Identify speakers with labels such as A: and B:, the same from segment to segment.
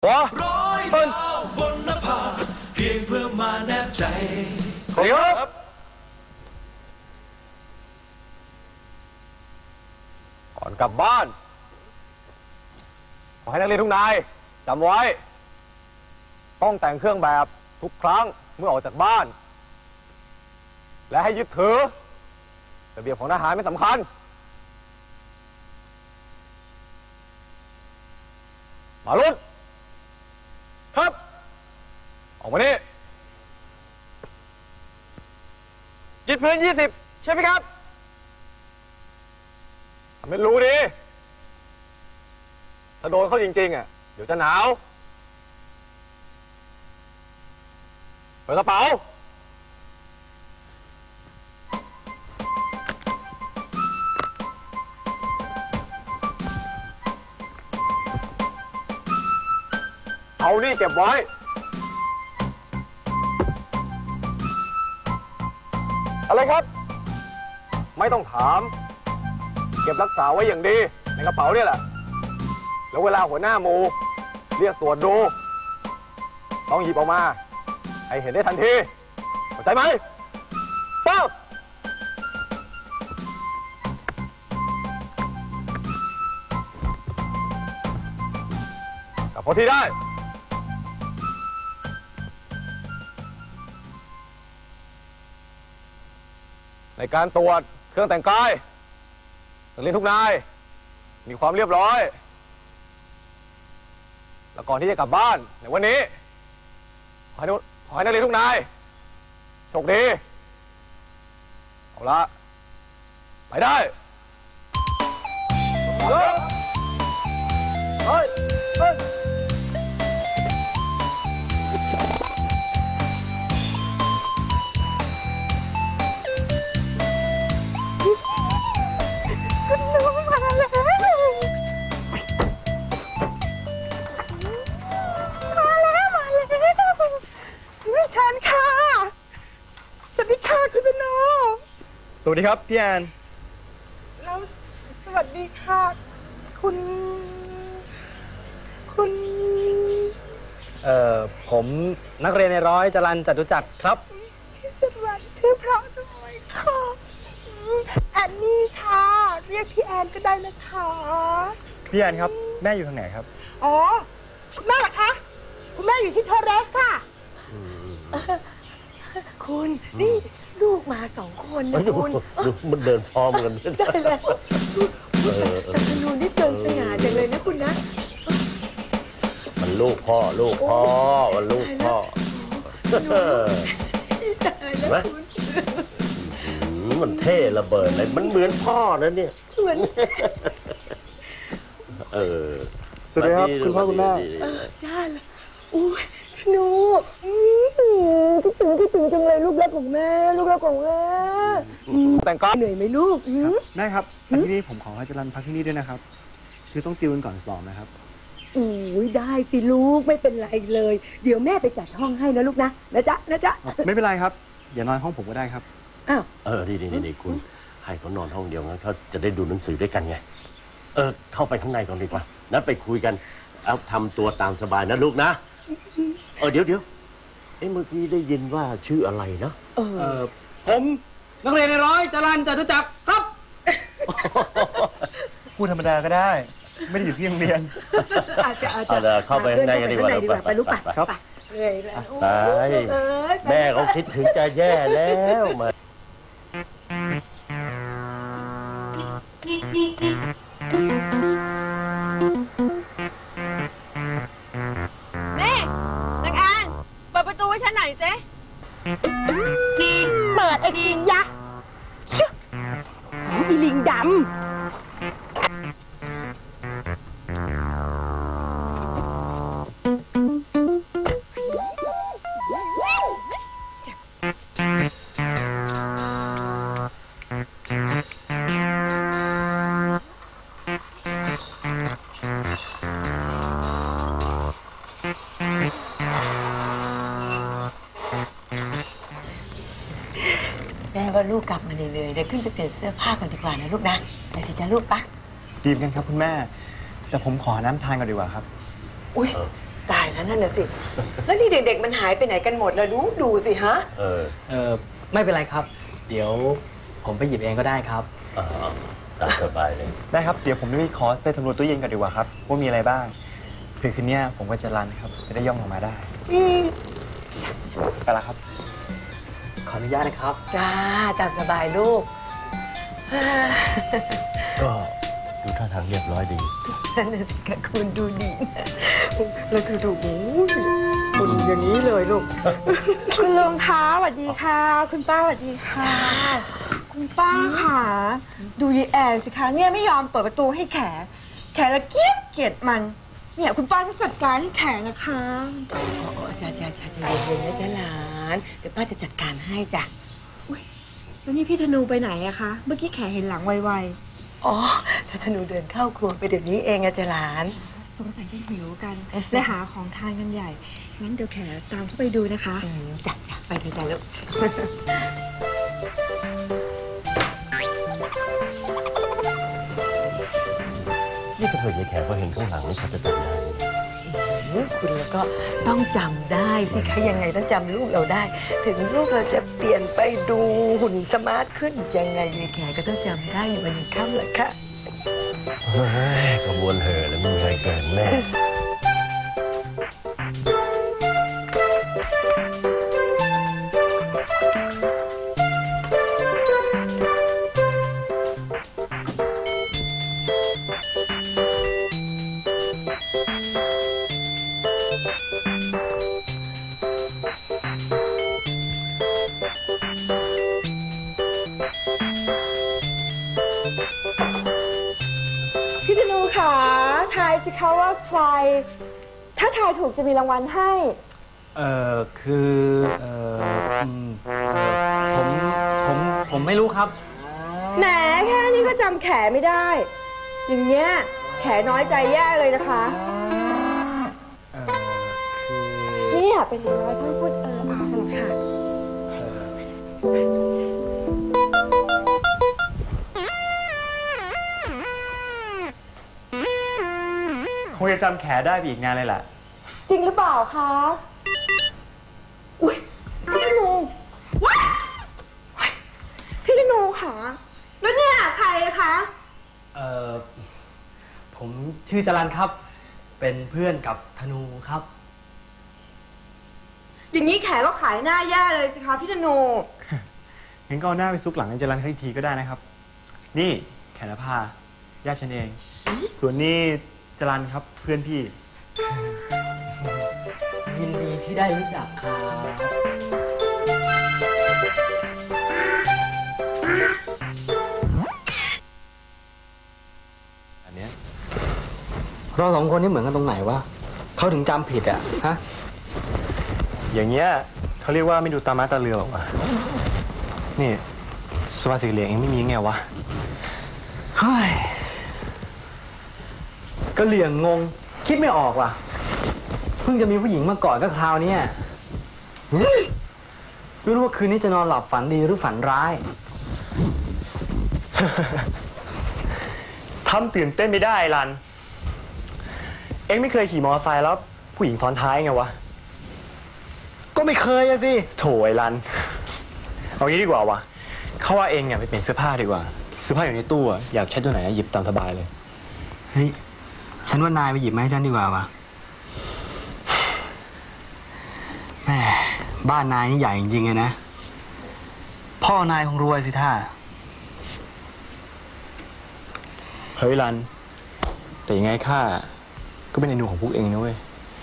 A: ว้าต้น
B: บนนภาเพียงเพื่อมาแนบใจ
A: สวัสดีครับก่อนกลับบ้านขอให้นักเรียนทุกนายจำไว้ต้องแต่งเครื่องแบบทุกครั้งเมื่อออกจากบ้านและให้ยึดถือระเบียบของทหารไม่สำคัญมาลุ้นครับออกมานี่ยึดพื้น20ใช่ไหมครับทำให้รู้ดิถ้าโดนเขาจริงๆอ่ะเดี๋ยวจะหนาวเปิดกระเป๋าเอานี่เก็บไว้อะไรครับไม่ต้องถามเก็บรักษาไว้อย่างดีในกระเป๋าเนี่ยแหละแล้วเวลาหัวหน้าหมู่เรียกตรวจดูต้องหยิบออกมาให้เห็นได้ทันทีเข้าใจไหมทราบกลับพอที่ได้ในการตรวจเครื่องแต่งกายนักเรียนทุกนายมีความเรียบร้อยแล้วก่อนที่จะกลับบ้านในวันนี้ขอให้นักเรียนทุกนายโชคดีเอาละไปได้เฮ้ย
C: สวัสดีครับพี่แอน
D: แล้วสวัสดีค่ะคุณ
C: ผมนักเรียนในร้อยจรัญจตุจักรครับ
D: ชื่อจรัญชื่อเพราะจังเลยค่ะแอนนี่ค่ะเรียกพี่แอนก็ได้นะคะ
C: พี่แอนครับแม่อยู่ทางไหนครับ
D: อ๋อคุณแม่เหรอคะคุณแม่อยู่ที่เทอร์เรสค่ะคุณนี่ลูกมา2 คนนะคุณ
A: มันเดินพร้อมกัน
D: ได้แล้วจักรนูนี่เดินสง่าจังเลยนะคุณนะ
A: มันลูกพ่อมันลูกพ่อมันเท่ระเบิดเลยมันเหมือนพ่อนะเนี่ย
D: เหมือน
C: สวัสดีครับคุณพ่อคุณแม่
D: จ้าอุ้ยหนูคิดถึงจังเลยลูกรักของแม่
A: แต่งก้อน
D: เหนื่อยไหมลูก
C: แม่ครับที่นี่ผมขอให้จรัญพักที่นี่ด้วยนะครับคือต้องติวกันก่อนสอบนะครับ
D: ได้สิลูกไม่เป็นไรเลยเดี๋ยวแม่ไปจัดห้องให้นะลูกนะจ๊ะ
C: ไม่เป็นไรครับเดี๋ยวนอนห้องผมก็ได้ครับ
D: อ้าว
A: ดีคุณให้เขานอนห้องเดียวงั้นเขาจะได้ดูหนังสือด้วยกันไงเข้าไปข้างในก่อนดีกว่านั้นไปคุยกันเอาทำตัวตามสบายนะลูกนะเดี๋ยวเมื่อกี้ได้ยินว่าชื่ออะไรนะ
C: ผมนักเรียนในร้อยจรัญจตุจักรครับพูดธรรมดาก็ได้ไม่ได้อยู่ที่โรงเรียน
A: เข้าไปข้างในกันดีกว่า
D: ไปลูกไป
C: ครับ
A: แม่เขาคิดถึงจะแย่แล้วมา
D: เจ๊เปิดไอ้ลิงยักษ์ชื่อมีลิงดำว่าลูกกลับมาเหนื่อยๆเดี๋ยวขึ้นไปเปลี่ยนเสื้อผ้ากันดีกว่านะลูกนะไปสิจ้าลูกปะ
C: ดีเหมือนกันครับคุณแม่แต่ผมขอน้ำทานก่อนดีกว่าครับ
D: อุ้ย
E: ตายแล้วนั่นน่ะสิ แล้วนี่เด็กๆมันหายไปไหนกันหมดแล้วดูสิฮะ
F: ไม่เป็นไรครับ เดี๋ยวผมไปหยิบเองก็ได้ครับ
G: ตามสบายเลย
C: ได้ครับ เดี๋ยวผมจะไปขอไปสำรวจตู้เย็นก่อนดีกว่าครับว่ามีอะไรบ้างเพื่อคืนนี้ผมก็จะรันครับ จะได้ย่องออกมาได้ไปละครับ
F: ขออนุญาตนะครับ
E: จ้าตามสบายลูก
G: ก็ดูท่าทางเรียบร้อยดี
E: นั่นน่ะสิคะคุณดูดีนะแล้วคือดูคุณอย่างนี้เลยลูก
D: คุณลุงคะสวัสดีค่ะ คุณป้าสวัสดีค่ะ คุณป้าค่ะ ดูยายแอนสิคะเนี่ยไม่ยอมเปิดประตูให้แขละเกลียดมัน เนี่ยคุณป้าต้องจัดการให้แขนะคะ
E: จ้าเย็นๆนะจ๊ะหลาน เดี๋ยวป้าจะจัดการให้จ้ะ
D: แล้วนี่พี่ธนูไปไหนอะคะ เมื่อกี้แขเห็นหลังไว
E: อ๋อถ้าหนูเดินเข้าครัวไปเดี๋ยวนี้เองอะจ๊ะหลาน
D: ๆสงสัยจะหิวกัน และหาของทานกันใหญ่ งั้นเดี๋ยวแขตามเข้าไปดูนะคะ
E: จ้ะไปเถอะจ้ะลูก
G: นี่ถ้าเผื่อยายแขกเขาเห็นข้างหลังนี่เขาจะจำได้ไหม
E: คุณแล้วก็ต้องจำได้สิคะยังไงต้องจำลูกเราได้ ถึงลูกเราจะเปลี่ยนไปดูหุ่นสมาร์ทขึ้นยังไงยายแขกก็ต้องจำได้อยู่วันนี้ค่ำแหละค่ะ
G: เฮ้ยขบวนเห่อแล้วไม่มีใครเกินแน่
D: พี่ธนูค่ะทายสิคะว่าใคร ถ้าทายถูกจะมีรางวัลให้
F: คือผมไม่รู้ครับ
D: แหมแค่นี้ก็จำแขไม่ได้ อย่างเงี้ยแขน้อยใจแย่เลยนะคะ นี่อย่าเป็นอย่างน้อยท่านพูดอากันหรอกค่ะ
C: คงจะจำแขได้ไปอีกงานเลยแหละ
D: จริงหรือเปล่าคะ อุ้ยพี่ธนูว้ายพี่ธนูค่ะ แล้วเนี่ยใครคะ
F: ผมชื่อจรันครับ เป็นเพื่อนกับธนูครับ
D: อย่างนี้แขก็ขายหน้าแย่เลยสิคะพี่ธนู
C: งั้นก็เอาหน้าไปซุกหลังไอ้จรันให้ทีก็ได้นะครับ นี่แขนภาญาติฉันเอง ส่วนนี่จรันครับเพื่อนพี่
F: ยินดีที่ได้รู้จักครับ
C: อันเนี้ย
F: เราสองคนนี่เหมือนกันตรงไหนวะเขาถึงจำผิดอะฮะ
C: อย่างเงี้ยเขาเรียกว่าไม่ดูตาม้าตาเรือหรอกวะนี่สวัสดิ์เหลียงเองไม่มีไงวะ
F: เฮ้ยก็เหลี่ยงงง คิดไม่ออกว่ะ เพิ่งจะมีผู้หญิงมาก่อนก็คราวเนี้ยไม่รู้ว่าคืนนี้จะนอนหลับฝันดีหรือฝันร้าย
C: ทำตื่นเต้นไม่ได้รัน เอ็งไม่เคยขี่มอเตอร์ไซค์แล้วผู้หญิงซ้อนท้ายไงวะ
F: ก็ไม่เคยอะสิ
C: โถไอ้รัน เอางี้ดีกว่าวะเขาว่าเอ็งไปเปลี่ยนเสื้อผ้าดีกว่า เสื้อผ้าอยู่ในตู้อะอยากใช้ตัวไหนหยิบตามสบายเลย
F: เฮ้ย ฉันว่านายไปหยิบมาให้ฉันดีกว่าวะแม่บ้านนายนี่ใหญ่จริงๆเลยนะ พ่อนายคงรวยสิท่า
C: เฮ้ยรัน แต่ยังไงข้าก็เป็นไอ้หนูของพวกเองนะเว้ย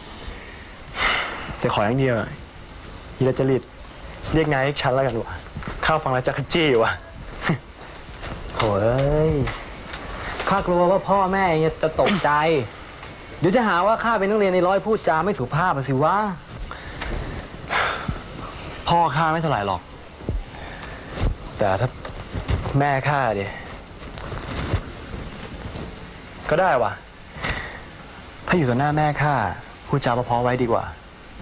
C: แต่ขออย่างเดียวยีราจริตเรียกนายเรียกฉันแล้วกันวะข้าฟังแล้วจะขจี้วะ
F: โถ่เอ้ย ข้ากลัวว่าพ่อแม่จะตกใจ เดี๋ยวจะหาว่าข้าเป็นนักเรียนในร้อยพูดจาไม่สุภาพสิวะ
C: พ่อข้าไม่เท่าไหร่หรอก แต่ถ้าแม่ข้าดิก็ได้วะถ้าอยู่ต่อหน้าแม่ข้าพูดจาเพราะๆไว้ดีกว่า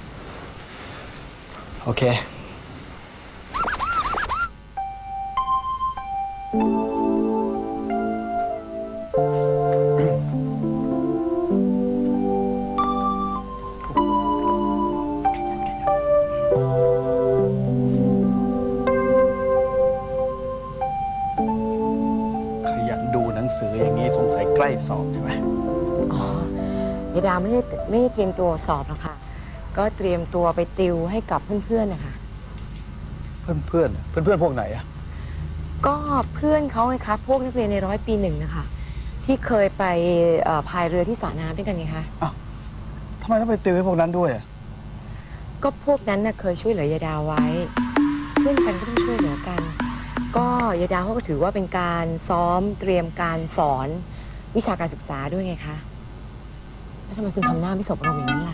F: โอเค
E: ดาไม่ได้เตรียมตัวสอบหรอกค่ะ ก็เตรียมตัวไปติวให้กับเพื่อนๆนะคะ
H: เพื่อนพวกไหนอะ
E: ก็เพื่อนเขาไงคะพวกนักเรียนใน100 ปี 1นะคะที่เคยไปพายเรือที่สระน้ำด้วยกันไงคะ
H: ทำไมต้องไปติวให้พวกนั้นด้วยอะ
E: ก็พวกนั้นน่ะเคยช่วยเหลือยายดาวไว้ เพื่อนกันก็ต้องช่วยเหลือกัน ก็ยายดาวเขาก็ถือว่าเป็นการซ้อมเตรียมการสอนวิชาการศึกษาด้วยไงคะแล้วทำไมคุณทำหน้าไม่สบอารมณ์อย่างนั้นล่ะ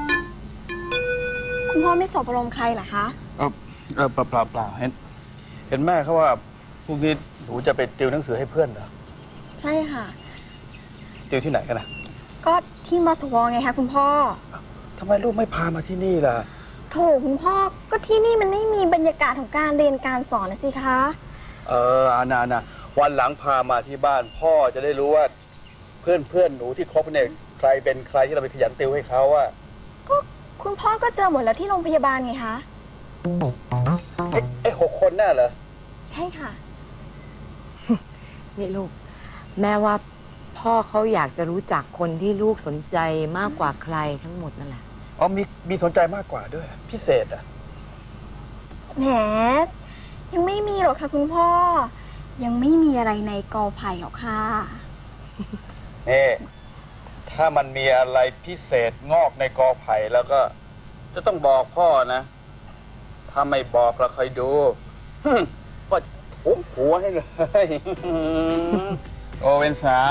I: คุณพ่อไม่สบอารมณ์ใครเหรอคะ
H: เปล่าเห็นแม่เขาว่าพรุ่งนี้หนูจะไปติวหนังสือให้เพื่อนเหรอ
I: ใช่ค่ะ
H: ติวที่ไหนกันนะ
I: ก็ที่มสวไงคะคุณพ่อ
H: ทำไมลูกไม่พามาที่นี่ล่ะ
I: โถคุณพ่อก็ที่นี่มันไม่มีบรรยากาศของการเรียนการสอนนะสิคะ
H: อานาวันหลังพามาที่บ้านพ่อจะได้รู้ว่าเพื่อนหนูที่คบเนี่ยใครเป็นใครที่เราไปขยันติวให้เขาอะ
I: ก็คุณพ่อก็เจอหมดแล้วที่โรงพยาบาลไงคะ
H: ไอ้6 คนน่ะเหรอ
I: ใช่ค่ะ
E: นี่ลูก แม่ว่าพ่อเขาอยากจะรู้จักคนที่ลูกสนใจมากกว่าใครทั้งหมดนั่นแหละ
H: อ๋อมีสนใจมากกว่าด้วย พิเศษอะ
I: แหม ยังไม่มีหรอกค่ะคุณพ่อ ยังไม่มีอะไรในกอไผ่หรอกค่ะ
H: ถ้ามันมีอะไรพิเศษงอกในกอไผ่แล้วก็จะต้องบอกพ่อนะ ถ้าไม่บอกเราคอยดูก็ทุบหัวให้เลย โอเป็นสาว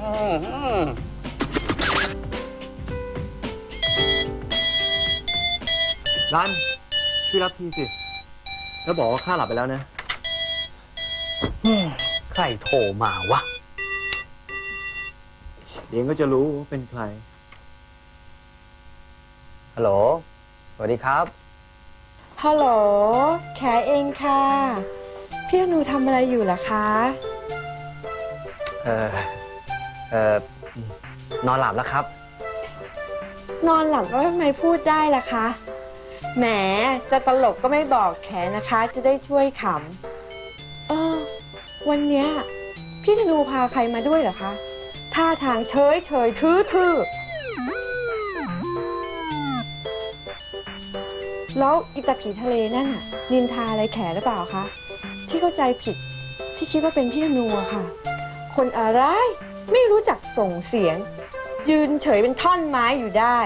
C: รันช่วยรับทีสิ แล้วบอกว่าข้าหลับไปแล้วนะ
F: ใครโทรมาวะ
C: เดี๋ยวก็จะรู้ว่าเป็นใคร
F: ฮัลโหล สวัสดีครับ
D: ฮัลโหล แขเองค่ะ พี่อนูทำอะไรอยู่ล่ะคะ
F: นอนหลับแล้วครับ
D: นอนหลับแล้วทำไมพูดได้ล่ะคะ แหม จะตลกก็ไม่บอกแขนะคะ จะได้ช่วยขำ วันเนี้ยพี่ธนูพาใครมาด้วยเหรอคะ ท่าทางเฉยทื่อแล้วอิตาผีทะเลนั่นน่ะนินทาอะไรแขหรือเปล่าคะ ที่เข้าใจผิดที่คิดว่าเป็นพี่ธนูอะค่ะ คนอะไรไม่รู้จักส่งเสียง ยืนเฉยเป็นท่อนไม้อยู่ได้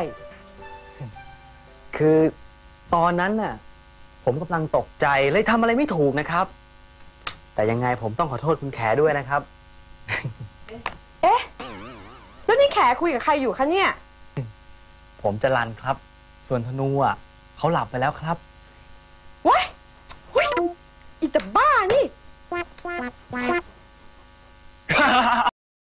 F: คือตอนนั้นน่ะ ผมกำลังตกใจเลยทำอะไรไม่ถูกนะครับ แต่ยังไงผมต้องขอโทษคุณแขด้วยนะครับ
D: เอ๊ะ แล้วนี่แขคุยกับใครอยู่คะเนี่ย
F: ผมจะรันครับ ส่วนธนูอ่ะเขาหลับไปแล้วครับ
D: ว้ายอิตาบ้า